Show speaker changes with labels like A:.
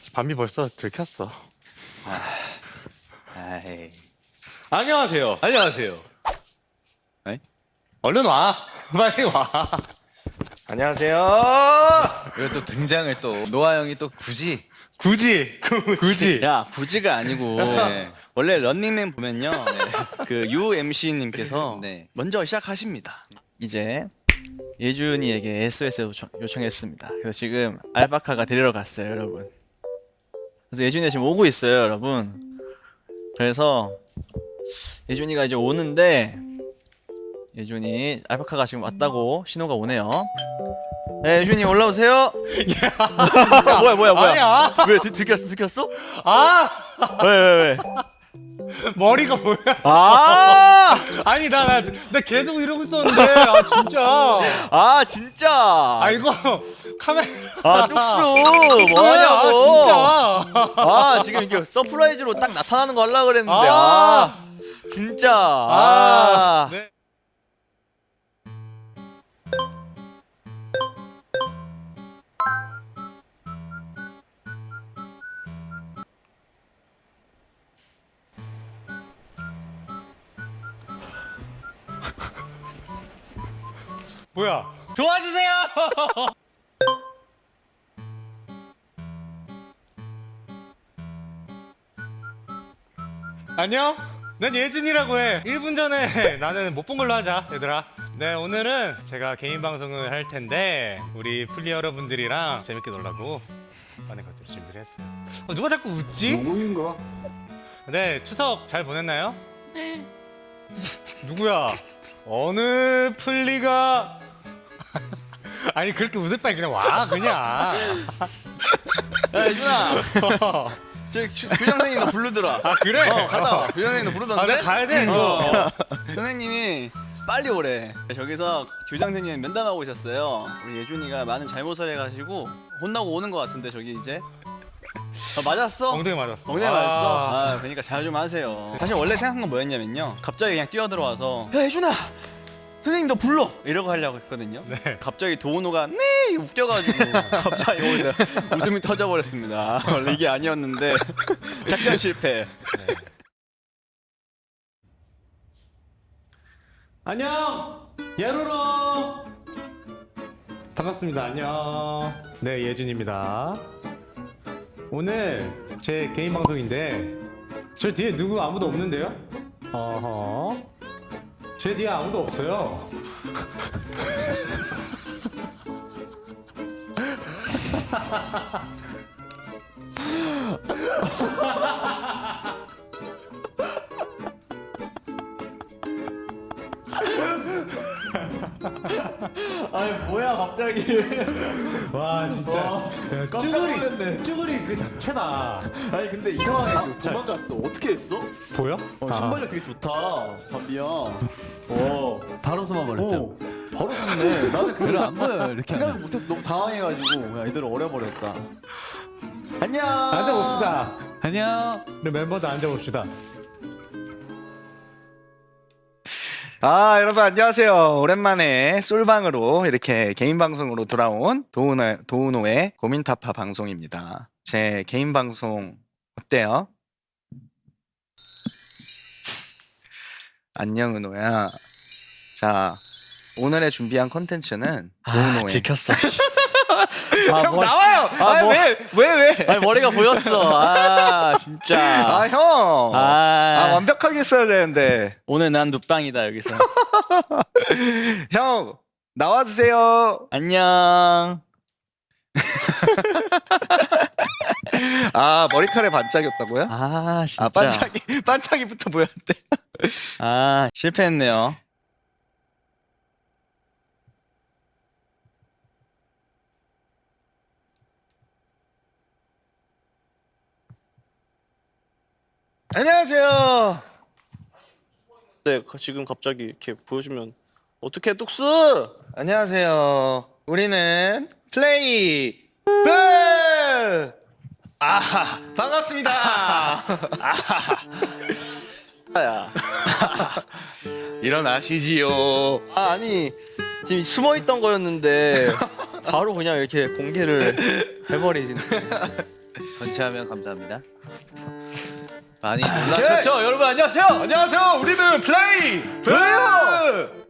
A: 밤이 벌써 들켰어.
B: 아이.
A: 안녕하세요.
B: 안녕하세요. 에?
A: 얼른 와. 빨리 와. 안녕하세요.
B: 이거 또 등장을 또 노아 형이 또 굳이
A: 굳이.
C: 야 굳이가 아니고
B: 네.
C: 원래 런닝맨 보면요 그 UMC님께서
B: 네.
C: 먼저 시작하십니다. 이제 예준이에게 SOS 요청했습니다. 그래서 지금 알바카가 데리러 갔어요, 여러분. 그래서 예준이가 지금 오고 있어요, 여러분. 그래서 예준이가 이제 오는데 예준이 알바카가 지금 왔다고 신호가 오네요. 네, 예준이 올라오세요. 뭐야?
A: 아니야.
C: 왜 들켰어?
A: 아
C: 왜?
A: 머리가 뭐야?
C: 아!
A: 아니 나 계속 이러고 있었는데 아 진짜.
C: 아 진짜.
A: 아 이거 카메라.
C: 아 뚝수 뭐하냐고.
A: 진짜.
C: 아 지금 이게 서프라이즈로 딱 나타나는 거 하려고 그랬는데
A: 아.
C: 진짜. 아.
A: 네. 뭐야? 도와주세요. 안녕? 난 예준이라고 해. 1분 전에 나는 못 본 걸로 하자, 얘들아. 네, 오늘은 제가 개인 방송을 할 텐데 우리 플리 여러분들이랑 재밌게 놀라고 많은 것들을 준비를 했어요. 누가 자꾸 웃지?
D: 누구인가?
A: 네, 추석 잘 보냈나요? 네. 누구야? 어느 플리가 아니 그렇게 웃을 바에 그냥 와 그냥.
C: 야 예준아. 저 교장선생님 나 부르더라.
A: 아 그래?
C: 갔다 와. 교장선생님 나 부르던데.
A: 아, 나 가야 돼 이거.
C: 선생님이 빨리 오래. 저기서 교장선생님 면담하고 있었어요. 우리 예준이가 많은 잘못을 해가지고 혼나고 오는 것 같은데 저기 이제. 맞았어?
A: 엉덩이 맞았어.
C: 엉덩이 맞았어? 아 그러니까 잘 좀 하세요. 사실 원래 생각한 건 뭐였냐면요, 갑자기 그냥 뛰어들어와서 야 예준아 선생님 너 불러! 이러고 하려고 했거든요.
A: 네.
C: 갑자기 도은호가 네! 웃겨가지고 갑자기 오늘 웃음이 터져버렸습니다. 원래 이게 아니었는데 작전 실패.
A: 네. 안녕 예로로 반갑습니다. 안녕. 네 예준입니다. 오늘 제 개인 방송인데 저 뒤에 누구 아무도 없는데요? 어허. 제 뒤에 아무도 없어요.
C: 아니 뭐야 갑자기.
A: 와 진짜 쭈구리 그 자체다.
C: 아니 근데 이상하게 도망갔어. 어떻게 했어?
A: 보여?
C: 신발력 되게 좋다 바비야. 바로 숨어버렸죠. 바로 숨네. 나는 그걸 안 보여. 이렇게 생각을 못해서 너무 당황해가지고 애들 어려버렸다. 안녕.
A: 앉아봅시다.
C: 안녕.
A: 우리 멤버들 앉아봅시다.
D: 아 여러분 안녕하세요. 오랜만에 솔방으로 이렇게 개인 방송으로 돌아온 도우노의 고민타파 방송입니다. 제 개인 방송 어때요? 안녕 은호야. 자 오늘의 준비한 컨텐츠는 도우노의
C: 들켰어.
D: 형 나와요. 왜?
C: 아니 머리가 보였어. 아 진짜.
D: 아 형.
C: 아,
D: 완벽하게 써야 되는데.
C: 오늘 난 눕방이다 여기서.
D: 형 나와주세요.
C: 안녕.
D: 아 머리카락에 반짝였다고요?
C: 아 진짜.
D: 아 반짝이부터 보였는데.
C: 아 실패했네요.
D: 안녕하세요.
E: 네, 지금 갑자기 이렇게 보여주면 어떻게 뚝스?
D: 안녕하세요. 우리는 플레이 브. 아 반갑습니다.
E: 야,
D: 일어나시지요.
C: 아 아니 지금 숨어 있던 거였는데 바로 그냥 이렇게 공개를 해버리시네.
B: 전체하면 감사합니다. 많이 놀라셨죠? 여러분 안녕하세요.
D: 안녕하세요. 우리는 플레이 플레이어.